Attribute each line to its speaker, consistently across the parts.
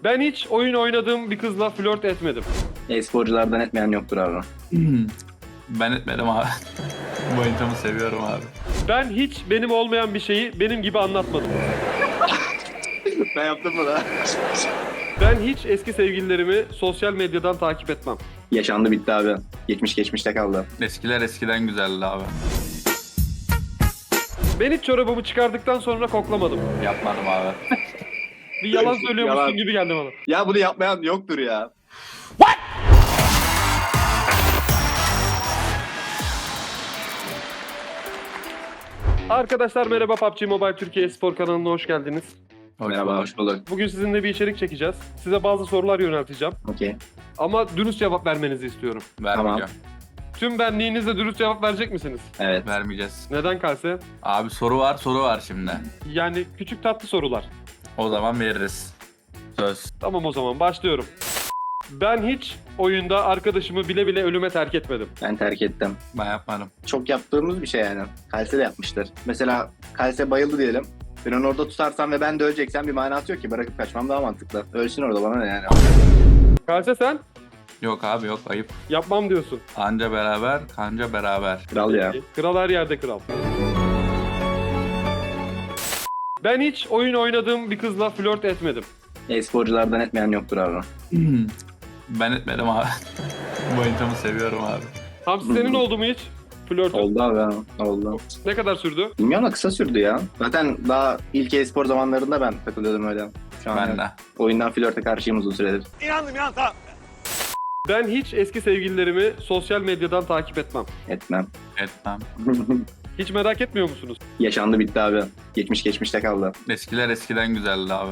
Speaker 1: Ben hiç oyun oynadığım bir kızla flört etmedim.
Speaker 2: E-sporculardan etmeyen yoktur abi.
Speaker 3: Ben etmedim abi. Bu oyuncumu seviyorum abi.
Speaker 1: Ben hiç benim olmayan bir şeyi benim gibi anlatmadım.
Speaker 2: Ben yaptım mı da?
Speaker 1: Ben hiç eski sevgililerimi sosyal medyadan takip etmem.
Speaker 2: Yaşandı bitti abi. Geçmiş geçmişte kaldı.
Speaker 3: Eskiler eskiden güzeldi abi.
Speaker 1: Ben hiç çorabımı çıkardıktan sonra koklamadım.
Speaker 3: Yapmadım abi.
Speaker 1: Bir yalan söylüyormuşsun
Speaker 2: Yalan.
Speaker 1: gibi geldi bana.
Speaker 2: Ya bunu yapmayan yoktur ya.
Speaker 1: Arkadaşlar merhaba, PUBG Mobile Türkiye Spor kanalına hoş geldiniz.
Speaker 2: Merhaba, hoş bulduk.
Speaker 1: Bugün sizinle bir içerik çekeceğiz. Size bazı sorular yönelteceğim.
Speaker 2: Okey.
Speaker 1: Ama dürüst cevap vermenizi istiyorum.
Speaker 3: Vermeyeceğim.
Speaker 1: Tüm benliğinizle dürüst cevap verecek misiniz?
Speaker 2: Evet.
Speaker 3: Vermeyeceğiz.
Speaker 1: Neden Kalse?
Speaker 3: Abi soru var şimdi.
Speaker 1: Yani küçük tatlı sorular.
Speaker 3: O zaman veririz. Söz.
Speaker 1: Tamam, o zaman başlıyorum. Ben hiç oyunda arkadaşımı bile bile ölüme terk etmedim.
Speaker 2: Ben terk ettim.
Speaker 3: Ben yapmadım.
Speaker 2: Çok yaptığımız bir şey yani. Kalse de yapmıştır. Mesela Kalse bayıldı diyelim. Ben onu orada tutarsam ve ben de öleceksem bir manası yok ki. Bırakıp kaçmam daha mantıklı. Ölsün orada, bana ne yani.
Speaker 1: Kalse sen
Speaker 3: Yok abi yok, ayıp.
Speaker 1: yapmam diyorsun.
Speaker 3: Anca beraber, kanca beraber.
Speaker 2: Kral ya.
Speaker 1: Kral her yerde kral. Ben hiç oyun oynadığım bir kızla flört etmedim.
Speaker 2: E-sporculardan etmeyen yoktur abi.
Speaker 3: Ben etmedim abi. Bu oyuncumu seviyorum abi.
Speaker 1: Hamsi, senin oldu mu hiç flörtün?
Speaker 2: Oldu abi. Oldu.
Speaker 1: Ne kadar sürdü?
Speaker 2: Bilmiyorum da kısa sürdü ya. Zaten daha ilk e-spor zamanlarında ben takılıyordum öyle. Şu an
Speaker 3: Ben de.
Speaker 2: oyundan flörte karşıyım uzun süredir.
Speaker 1: Ben hiç eski sevgililerimi sosyal medyadan takip etmem.
Speaker 2: Etmem.
Speaker 3: Etmem.
Speaker 1: Hiç merak etmiyor musunuz?
Speaker 2: Yaşandı bitti abi. Geçmiş geçmişte kaldı.
Speaker 3: Eskiler eskiden güzeldi abi.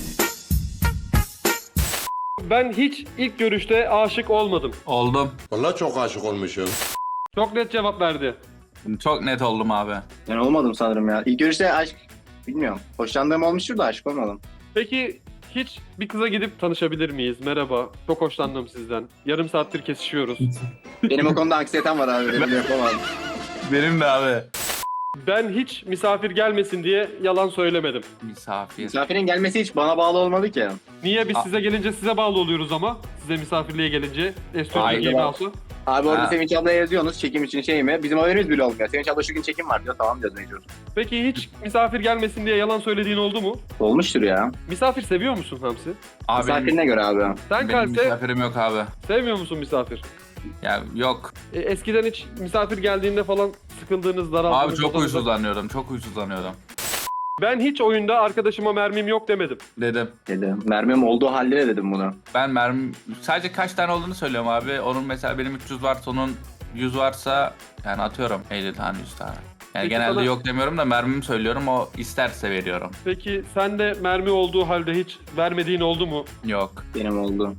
Speaker 1: Ben hiç ilk görüşte aşık olmadım.
Speaker 3: Oldum.
Speaker 4: Vallahi çok aşık olmuşum.
Speaker 1: Çok net cevap verdi.
Speaker 3: Çok net oldum abi.
Speaker 2: Ben olmadım sanırım ya. İlk görüşte aşk bilmiyorum. Hoşlandığım olmuştur da aşık olmadım.
Speaker 1: Peki hiç bir kıza gidip tanışabilir miyiz? Merhaba, çok hoşlandım sizden. Yarım saattir kesişiyoruz.
Speaker 2: Benim o konuda anksiyetem var abi. Benim yapamam.
Speaker 3: Benim de abi.
Speaker 1: Ben hiç misafir gelmesin diye yalan söylemedim.
Speaker 3: Misafir.
Speaker 2: Misafirin gelmesi hiç bana bağlı olmadı ki.
Speaker 1: Niye biz size gelince size bağlı oluyoruz ama? Size misafirliğe gelince Estonya'da
Speaker 3: Hayır,
Speaker 1: Game
Speaker 2: ben-
Speaker 1: House'u.
Speaker 2: Abi orada
Speaker 3: Ha.
Speaker 2: Sevinç ablaya yazıyorsunuz çekim için şey mi? Bizim haberimiz bile olmuyor. Sevinç abla şu gün çekim var diyor. Tamam diyoruz mecbur.
Speaker 1: Peki hiç misafir gelmesin diye yalan söylediğin oldu mu?
Speaker 2: Olmuştur ya.
Speaker 1: Misafir seviyor musun Hamsi?
Speaker 3: Abi benim,
Speaker 2: Misafirine göre abi.
Speaker 1: Sen
Speaker 3: benim
Speaker 1: Kalse
Speaker 3: misafirim yok abi.
Speaker 1: sevmiyor musun misafir?
Speaker 3: Ya yok.
Speaker 1: Eskiden hiç misafir geldiğinde falan sıkıldığınız, daraldığınız...
Speaker 3: Abi çok
Speaker 1: odanızda-
Speaker 3: huysuzlanıyordum. Çok huysuzlanıyordum.
Speaker 1: Ben hiç oyunda arkadaşıma mermim yok demedim.
Speaker 3: Dedim.
Speaker 2: Dedim. Mermim olduğu halde de dedim bunu.
Speaker 3: Ben mermi sadece kaç tane olduğunu söylüyorum abi. Onun mesela benim 300 varsa onun 100 varsa yani atıyorum 50 tane 100 tane. Yani
Speaker 1: Peki
Speaker 3: genelde
Speaker 1: sana-
Speaker 3: yok demiyorum da mermimi söylüyorum, o isterse veriyorum.
Speaker 1: Peki sen de mermi olduğu halde hiç vermediğin oldu mu?
Speaker 3: Yok.
Speaker 2: Benim oldu.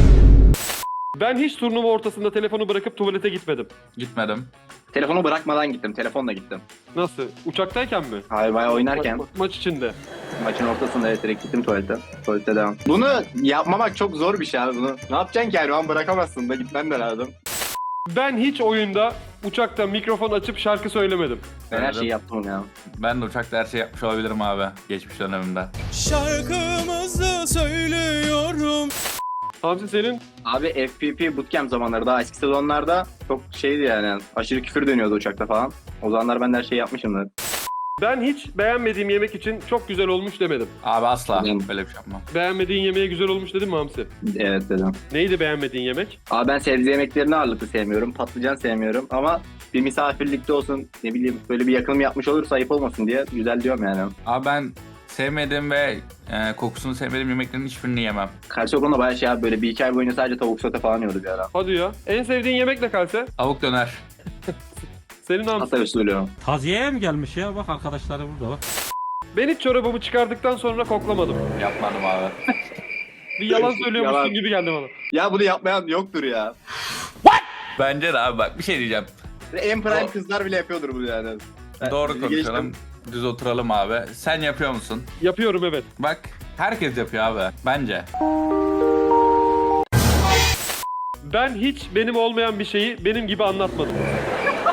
Speaker 1: Ben hiç turnuva ortasında telefonu bırakıp tuvalete gitmedim.
Speaker 3: Gitmedim.
Speaker 2: Telefonu bırakmadan gittim. Telefonla gittim.
Speaker 1: Nasıl? Uçaktayken mi?
Speaker 2: Hayır bayağı oynarken
Speaker 1: Maç içinde.
Speaker 2: maçın ortasında direkt gittim tuvalete. Tuvalete devam. Bunu yapmamak çok zor bir şey abi bunu. Ne yapacaksın ki yani? O an bırakamazsın da gitmen de lazım.
Speaker 1: Ben hiç oyunda uçakta mikrofon açıp şarkı söylemedim.
Speaker 2: Ben her
Speaker 3: Söyledim.
Speaker 2: şeyi yaptım ya.
Speaker 3: Ben de uçakta her şey yapmış olabilirim abi. Geçmiş dönemimde.
Speaker 5: Şarkımızı söylüyorum.
Speaker 1: Hamsi, senin?
Speaker 2: Abi FPP bootcamp zamanları daha eski sezonlarda çok şeydi yani. Aşırı küfür dönüyordu uçakta falan. O zamanlar ben de her şeyi yapmışımdır.
Speaker 1: Ben hiç beğenmediğim yemek için çok güzel olmuş demedim.
Speaker 3: Abi asla
Speaker 2: Dedim.
Speaker 3: böyle bir şey yapmam.
Speaker 1: Beğenmediğin yemeğe güzel olmuş dedin mi Hamsi?
Speaker 2: Evet dedim.
Speaker 1: Neydi beğenmediğin yemek?
Speaker 2: Abi ben sebze yemeklerini ağırlıklı sevmiyorum. Patlıcan sevmiyorum ama bir misafirlikte olsun ne bileyim böyle bir yakınım yapmış olursa ayıp olmasın diye güzel diyorum yani.
Speaker 3: Abi ben sevmediğim ve kokusunu sevmediğim yemeklerin hiçbirini yemem.
Speaker 2: Karşı okulda bayağı şey abi böyle bir iki ay boyunca sadece tavuk sote falan yiyordu bir ara.
Speaker 1: Hadi ya. En sevdiğin yemek ne Kalse?
Speaker 3: Tavuk döner.
Speaker 1: Senin Hamsi.
Speaker 2: Hatta usulü.
Speaker 6: Taziyeye mi gelmiş ya? Bak arkadaşları burada bak.
Speaker 1: Ben hiç çorabımı çıkardıktan sonra koklamadım.
Speaker 3: Yapmadım abi.
Speaker 1: Bir yalan söylüyormuşsun
Speaker 2: Yalan.
Speaker 1: gibi geldi bana.
Speaker 2: Ya bunu yapmayan yoktur ya.
Speaker 3: Bence de abi, bak bir şey diyeceğim.
Speaker 2: En prime
Speaker 3: O-
Speaker 2: kızlar bile yapıyordur bunu yani.
Speaker 3: Doğru
Speaker 2: Bizi
Speaker 3: konuşalım.
Speaker 2: geçtim.
Speaker 3: Düz oturalım abi. Sen yapıyor musun?
Speaker 1: Yapıyorum, evet.
Speaker 3: Bak herkes yapıyor abi. Bence.
Speaker 1: Ben hiç benim olmayan bir şeyi benim gibi anlatmadım.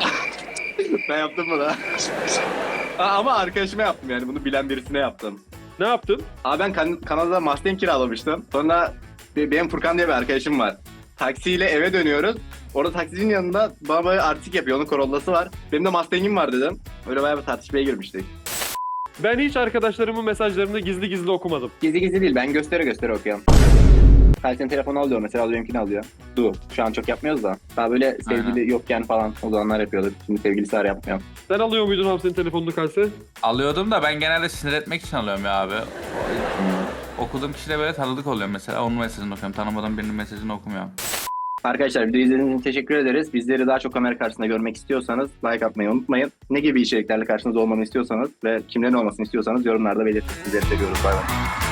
Speaker 2: Ben yaptım bunu. Ama arkadaşıma yaptım yani bunu bilen birisine yaptım.
Speaker 1: Ne yaptın?
Speaker 2: Abi ben Kanada'da Mustang kiralamıştım. Sonra benim Furkan diye bir arkadaşım var. Taksiyle eve dönüyoruz. Orada taksicinin yanında bana böyle artistik yapıyor. Onun Corolla'sı var. Benim de Mustang'im var dedim. Öyle bayağı bir tartışmaya girmiştik.
Speaker 1: Ben hiç arkadaşlarımın mesajlarını gizli gizli okumadım.
Speaker 2: Gizli gizli değil. Ben göstere okuyorum. Kalsenin telefonu alıyor mesela, benimkini alıyor. Şu an çok yapmıyoruz da. Daha böyle sevgili yokken falan o zamanlar yapıyorduk. Şimdi sevgilisi var, yapmıyorum.
Speaker 1: Sen alıyor muydun Hamsi'nin telefonunu Kalse?
Speaker 3: Alıyordum da ben genelde sinir etmek için alıyorum ya abi. Okuduğum kişiyle böyle tanıdık oluyor mesela. Onun mesajını okuyorum. Tanımadığım birinin mesajını okumuyorum.
Speaker 2: Arkadaşlar videoyu izlediğiniz için teşekkür ederiz. Bizleri daha çok kamera karşısında görmek istiyorsanız like atmayı unutmayın. Ne gibi içeriklerle karşınızda olmamı istiyorsanız ve kimlerin olmasını istiyorsanız yorumlarda belirtin. Sizleri seviyoruz. Bay bay.